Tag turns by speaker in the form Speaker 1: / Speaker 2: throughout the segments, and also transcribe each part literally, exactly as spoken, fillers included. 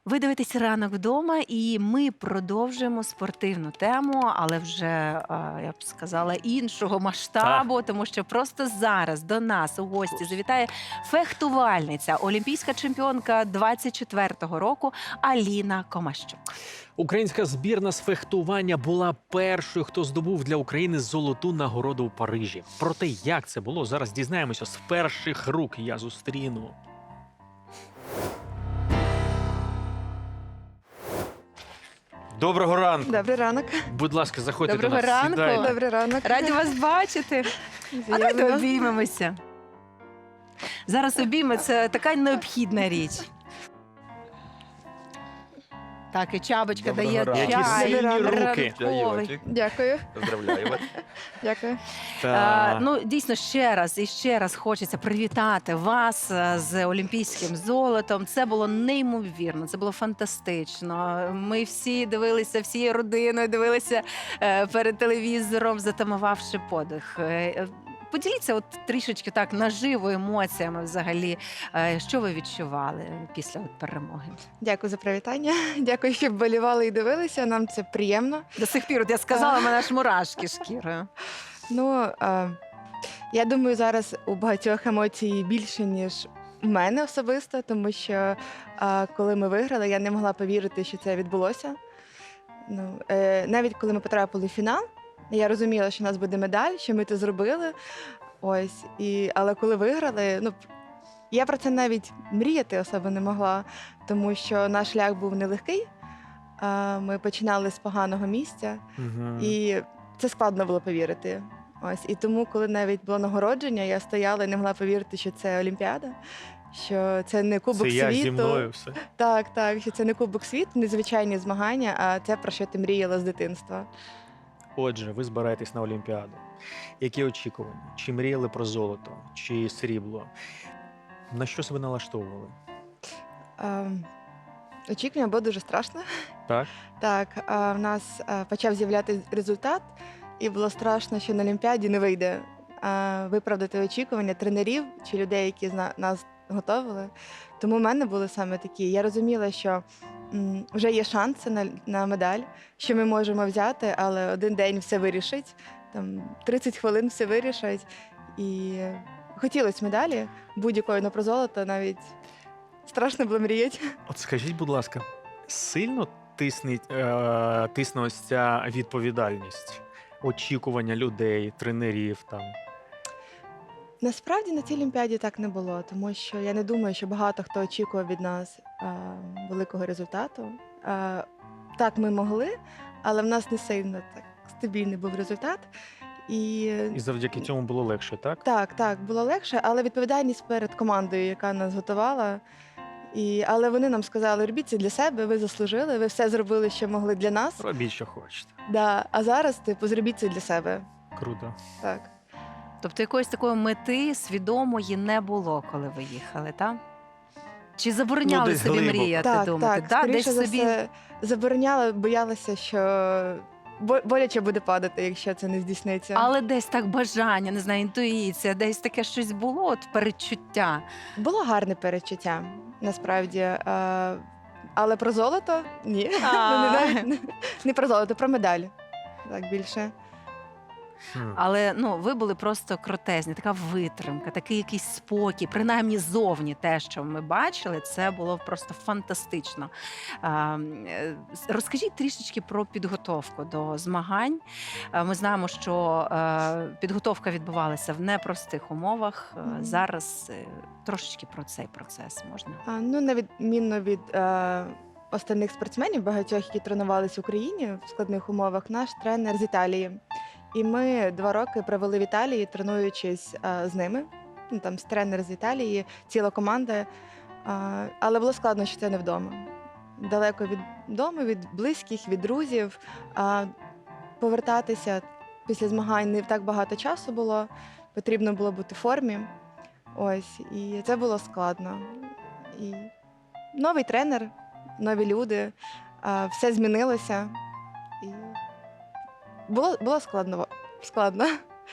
Speaker 1: Ви дивитесь «Ранок вдома» і ми продовжуємо спортивну тему, але вже, е, я б сказала, іншого
Speaker 2: Так.
Speaker 1: масштабу, тому що просто зараз до нас у гості завітає фехтувальниця, олімпійська чемпіонка двадцять четвертого року Аліна Комащук.
Speaker 2: Українська збірна з фехтування була першою, хто здобув для України золоту нагороду у Парижі. Про те, як це було, зараз дізнаємося з перших рук. Я зустріну. Доброго ранку.
Speaker 3: Добрий ранок.
Speaker 2: Будь ласка, заходьте
Speaker 1: Доброго
Speaker 2: до нас.
Speaker 1: ранку.
Speaker 2: Сідайте.
Speaker 3: Добрий ранок.
Speaker 1: Раді вас бачити. А давайте
Speaker 3: Взаємно.
Speaker 1: обіймемося. Зараз обійми – це така необхідна річ. Так, і Чабочка
Speaker 4: Доброго
Speaker 1: дає
Speaker 4: ранку.
Speaker 2: Які
Speaker 1: чай.
Speaker 2: сильні руки.
Speaker 1: ранковий.
Speaker 4: Чайочек.
Speaker 3: Дякую.
Speaker 4: Поздравляю вас.
Speaker 3: Дякую.
Speaker 1: А,
Speaker 2: Та...
Speaker 1: ну, дійсно, ще раз і ще раз хочеться привітати вас е, з олімпійським золотом. Це було неймовірно, це було фантастично. Ми всі дивилися, всією родиною дивилися е, перед телевізором, затамувавши подих. Е, е, Поділіться от трішечки так наживо емоціями взагалі, е, що ви відчували після от перемоги.
Speaker 3: Дякую за привітання. Дякую, що вболівали і дивилися. Нам це приємно.
Speaker 1: До сих пір, от я сказала, в мене аж мурашки шкірою.
Speaker 3: Ну, е, я думаю, зараз у багатьох емоцій більше, ніж у мене особисто, тому що е, коли ми виграли, я не могла повірити, що це відбулося. Ну, е, навіть коли ми потрапили в фінал, я розуміла, що у нас буде медаль, що ми це зробили. Ось. І, але коли виграли, ну, я про це навіть мріяти особо не могла, тому що наш шлях був нелегкий. Е, Ми починали з поганого місця,
Speaker 2: Мгм.
Speaker 3: і це складно було повірити. Ось. І тому, коли навіть було нагородження, я стояла і не могла повірити, що це Олімпіада, що це не Кубок
Speaker 2: Це я
Speaker 3: світу.
Speaker 2: зі мною все.
Speaker 3: Так, так, що це не Кубок світу, незвичайні змагання, а це про що ти мріяла з дитинства.
Speaker 2: Отже, ви збираєтесь на Олімпіаду. Які очікування? Чи мріяли про золото, чи срібло? На що себе налаштовували?
Speaker 3: Е, Очікування було дуже страшно.
Speaker 2: Так?
Speaker 3: Так, а, в нас а, почав з'являтися результат, і було страшно, що на Олімпіаді не вийде а, виправдати очікування тренерів чи людей, які зна- нас готували. Тому в мене були саме такі. Я розуміла, що м, вже є шанси на, на медаль, що ми можемо взяти, але один день все вирішить, там тридцять хвилин все вирішить. І хотілося медалі будь-якої, але про золото навіть страшно було мріяти.
Speaker 2: От скажіть, будь ласка, сильно тисне, е, тисне ось ця відповідальність, очікування людей, тренерів там.
Speaker 3: Насправді на цій Олімпіаді так не було, тому що я не думаю, що багато хто очікував від нас е, великого результату. Е, так, ми могли, але в нас не сильно так стабільний був результат. І
Speaker 2: І завдяки цьому було легше, так?
Speaker 3: так, так, було легше, але відповідальність перед командою, яка нас готувала. І, але вони нам сказали, робіть це для себе, ви заслужили, ви все зробили, що могли для нас.
Speaker 2: Робіть, що хочете.
Speaker 3: Да, а зараз, типу, зробіть це для себе.
Speaker 2: Круто.
Speaker 3: Так.
Speaker 1: Тобто якоїсь такої мети свідомої не було, коли ви їхали, так? Чи забороняли
Speaker 2: Ну, десь
Speaker 1: собі
Speaker 2: глибоко.
Speaker 1: мріяти,
Speaker 3: Так,
Speaker 1: думати?
Speaker 3: так,
Speaker 1: Да?
Speaker 3: скоріше
Speaker 1: Десь
Speaker 3: за
Speaker 1: собі...
Speaker 3: все забороняла, боялася, що бо- боляче буде падати, якщо це не здійсниться.
Speaker 1: Але десь так бажання, не знаю, інтуїція, десь таке щось було, от передчуття.
Speaker 3: Було гарне передчуття, насправді. Е, але про золото ні.
Speaker 1: А.
Speaker 3: Ну, не, навіть не, не про золото, про медаль. Так більше.
Speaker 2: Хм.
Speaker 1: Але ну, ви були просто крутезні, така витримка, такий якийсь спокій, принаймні зовні те, що ми бачили, це було просто фантастично. А, е, Розкажіть трішечки про підготовку до змагань. А, Ми знаємо, що е, підготовка відбувалася в непростих умовах. Е,
Speaker 3: Мгм.
Speaker 1: Зараз е, трошечки про цей процес можна.
Speaker 3: А, ну, на відмінно від е, остальних спортсменів, багатьох, які тренувалися в Україні в складних умовах, наш тренер з Італії. І ми два роки провели в Італії, тренуючись е, з ними. Ну, там з тренер з Італії, ціла команда. Е, але було складно, що це не вдома. Далеко від дому, від близьких, від друзів. Е, повертатися після змагань не так багато часу було. Потрібно було бути в формі. Ось, і це було складно. І новий тренер, нові люди, а, все змінилося. І було, було складно. складно.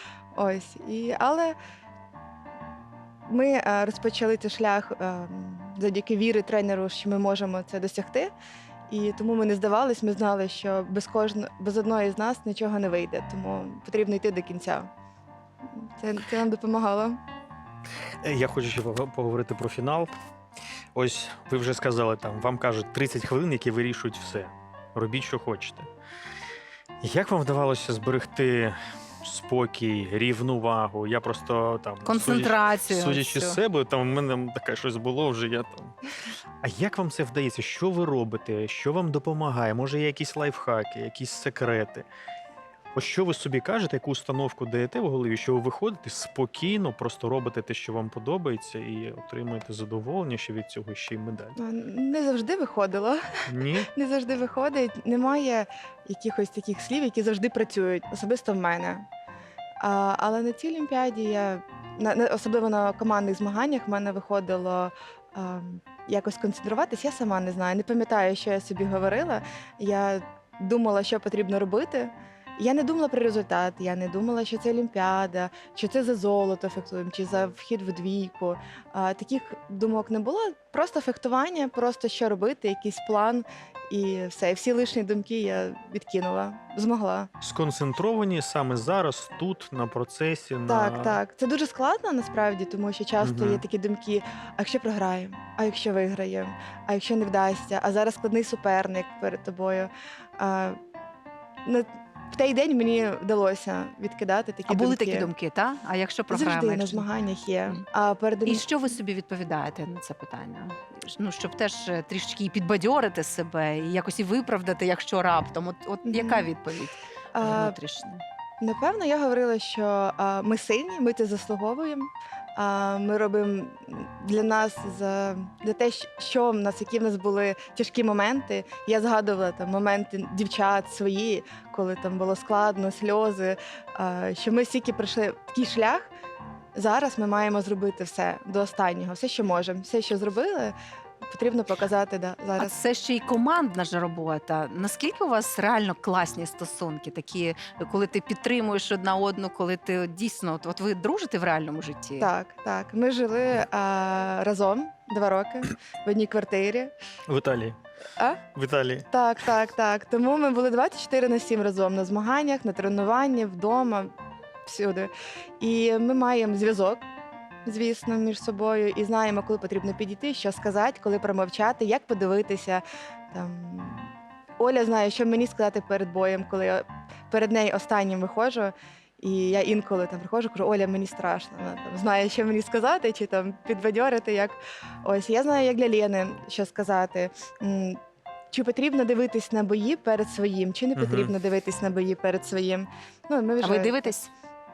Speaker 3: Ось. І, але ми а, розпочали цей шлях а, завдяки віри тренеру, що ми можемо це досягти. І тому ми не здавались, ми знали, що без кожного, без одної з нас нічого не вийде, тому потрібно йти до кінця. Це, це нам допомагало.
Speaker 2: Е, Я хочу ще пог- поговорити про фінал. Ось ви вже сказали, там вам кажуть тридцять хвилин, які вирішують все. Робіть, що хочете. Як вам вдавалося зберегти спокій, рівновагу? Я просто там
Speaker 1: Концентрацію.
Speaker 2: Судячи, судячи
Speaker 1: всю.
Speaker 2: з себе, там в мене таке щось було вже. Я там. А як вам це вдається? Що ви робите? Що вам допомагає? Може, є якісь лайфхаки, якісь секрети? Ось що ви собі кажете, яку установку даєте в голові, що ви виходите спокійно, просто робите те, що вам подобається, і отримуєте задоволення, що від цього ще й медаль.
Speaker 3: А, Не завжди виходило.
Speaker 2: Ні?
Speaker 3: Не завжди виходить. Немає якихось таких слів, які завжди працюють, особисто в мене. А, але на цій Олімпіаді я, на, на- особливо на командних змаганнях, в мене виходило а, якось концентруватись. Я сама не знаю, не пам'ятаю, що я собі говорила. Я думала, що потрібно робити. Я не думала про результат, я не думала, що це Олімпіада, що це за золото фехтуємо, чи за вхід в двійку. А, таких думок не було. Просто фехтування, просто що робити, якийсь план, і все. І всі лишні думки я відкинула, змогла.
Speaker 2: Сконцентровані саме зараз, тут, на процесі, на...
Speaker 3: Так, так. Це дуже складно насправді, тому що часто
Speaker 2: Мгм.
Speaker 3: є такі думки: а якщо програємо, а якщо виграємо, а якщо не вдасться, а зараз складний суперник перед тобою. А, на, в той день мені вдалося відкидати такі
Speaker 1: А були
Speaker 3: думки.
Speaker 1: такі думки, так? А якщо програємо?
Speaker 3: Завжди на
Speaker 1: якщо-
Speaker 3: змаганнях є.
Speaker 1: Мгм.
Speaker 3: А перед
Speaker 1: І
Speaker 3: Олімп-
Speaker 1: що ви собі відповідаєте на це питання? Ну, щоб теж е, трішки і підбадьорити себе, і якось і виправдати, якщо раптом. От, от
Speaker 3: Мгм.
Speaker 1: яка відповідь
Speaker 3: а,
Speaker 1: внутрішня?
Speaker 3: Напевно, я говорила, що а, ми сильні, ми це заслуговуємо. А, ми робимо для нас за для те, щ- що в нас, які в нас були тяжкі моменти. Я згадувала там моменти дівчат свої, коли там було складно, сльози. А, що ми стільки пройшли такий шлях. Зараз ми маємо зробити все до останнього, все, що можемо, все, що зробили, потрібно показати да,
Speaker 1: А
Speaker 3: зараз.
Speaker 1: це ще й командна ж робота. Наскільки у вас реально класні стосунки, такі, коли ти підтримуєш одна одну, коли ти от дійсно, от, от ви дружите в реальному житті?
Speaker 3: Так, так. Ми жили а, разом два роки в одній квартирі.
Speaker 2: В Італії.
Speaker 3: А?
Speaker 2: В Італії.
Speaker 3: Так, так, так. Тому ми були двадцять чотири на сім разом на змаганнях, на тренуванні, вдома, всюди. І ми маємо зв'язок, звісно, між собою, і знаємо, коли потрібно підійти, що сказати, коли промовчати, як подивитися. Там... Оля знає, що мені сказати перед боєм, коли я перед нею останнім виходжу. І я інколи там приходжу, кажу: Оля, мені страшно. Вона там знає, що мені сказати, чи там підбадьорити. Як ось я знаю, як для Лєни, що сказати. М, Чи потрібно дивитись на бої перед своїм, чи не
Speaker 2: Мгм.
Speaker 3: потрібно дивитись на бої перед своїм. Ну, ми вже...
Speaker 1: А ви дивитесь?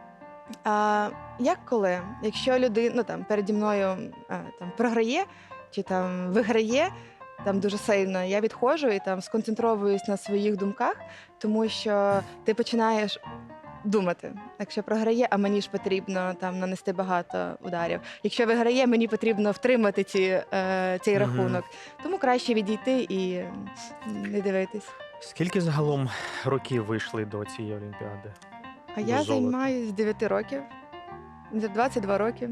Speaker 3: А, як коли? Якщо людина ну, там, переді мною а, там, програє чи там виграє там дуже сильно, я відходжу і там сконцентровуюсь на своїх думках, тому що ти починаєш думати, якщо програє, а мені ж потрібно там нанести багато ударів. Якщо виграє, мені потрібно втримати ці, е, цей
Speaker 2: Мгм.
Speaker 3: рахунок. Тому краще відійти і м, не дивитись.
Speaker 2: Скільки загалом років вийшли до цієї Олімпіади?
Speaker 3: А
Speaker 2: До
Speaker 3: я
Speaker 2: золота.
Speaker 3: займаюся з дев'яти років, за двадцять два роки.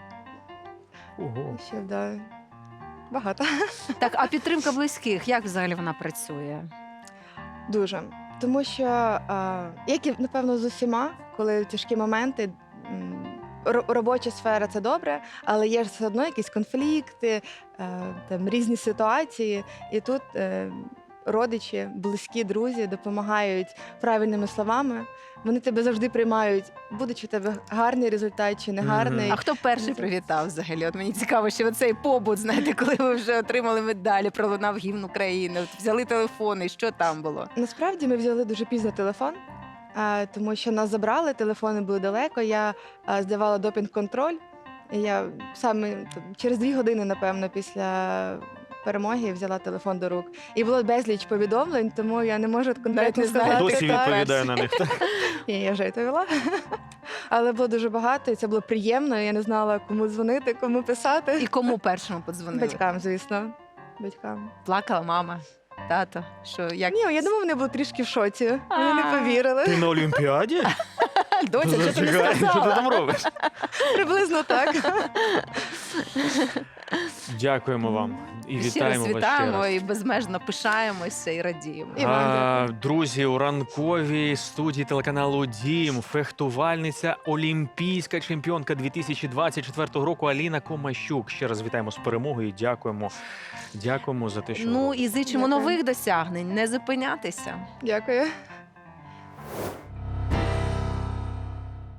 Speaker 2: Ого.
Speaker 3: Ще да, багато.
Speaker 1: Так, а підтримка близьких, як взагалі вона працює?
Speaker 3: Дуже. Тому що, а, як і напевно з усіма, коли тяжкі моменти, м, ро- робоча сфера це добре, але є ж все одно якісь конфлікти, е, там різні ситуації. І тут е, родичі, близькі, друзі допомагають правильними словами. Вони тебе завжди приймають, будучи у тебе гарний результат чи не
Speaker 2: Мгм.
Speaker 3: гарний.
Speaker 1: А хто перший привітав взагалі? От мені цікаво, що цей побут, знаєте, коли ви вже отримали медалі, пролунав гімн України, от взяли телефони, що там було?
Speaker 3: Насправді ми взяли дуже пізно телефон, а, тому що нас забрали, телефони були далеко. Я а, здавала допінг-контроль. І я саме там, через дві години, напевно, після перемоги взяла телефон до рук. І було безліч повідомлень, тому я не можу
Speaker 1: Навіть
Speaker 3: конкретно
Speaker 1: не знаю,
Speaker 3: сказати.
Speaker 2: Досі
Speaker 3: так.
Speaker 2: відповідає на них.
Speaker 3: Ні, я вже відповіла. Але було дуже багато, і це було приємно. Я не знала, кому дзвонити, кому писати.
Speaker 1: І кому першому подзвонили?
Speaker 3: Батькам, звісно. Батькам.
Speaker 1: Плакала мама, тато. Що як
Speaker 3: Ні, я думаю, вони були трішки в шоці. Вони не
Speaker 1: А.
Speaker 3: повірили.
Speaker 2: Ти на Олімпіаді?
Speaker 1: доця, що ти не
Speaker 2: Чекай, що ти
Speaker 1: сказала?
Speaker 2: там робиш?
Speaker 3: Приблизно так.
Speaker 2: Дякуємо вам і
Speaker 1: Ще
Speaker 2: вітаємо
Speaker 1: раз
Speaker 2: вас ще
Speaker 1: вітаємо
Speaker 2: раз.
Speaker 1: і безмежно пишаємося і радіємо.
Speaker 3: І вам
Speaker 2: А,
Speaker 3: дякую.
Speaker 2: друзі, у ранковій студії телеканалу Дім фехтувальниця, олімпійська чемпіонка дві тисячі двадцять четвертого року Аліна Комащук. Ще раз вітаємо з перемогою. і Дякуємо. Дякуємо за те, що
Speaker 1: Ну
Speaker 2: ви
Speaker 1: і зичимо
Speaker 3: Дякую.
Speaker 1: нових досягнень, не зупинятися.
Speaker 3: Дякую.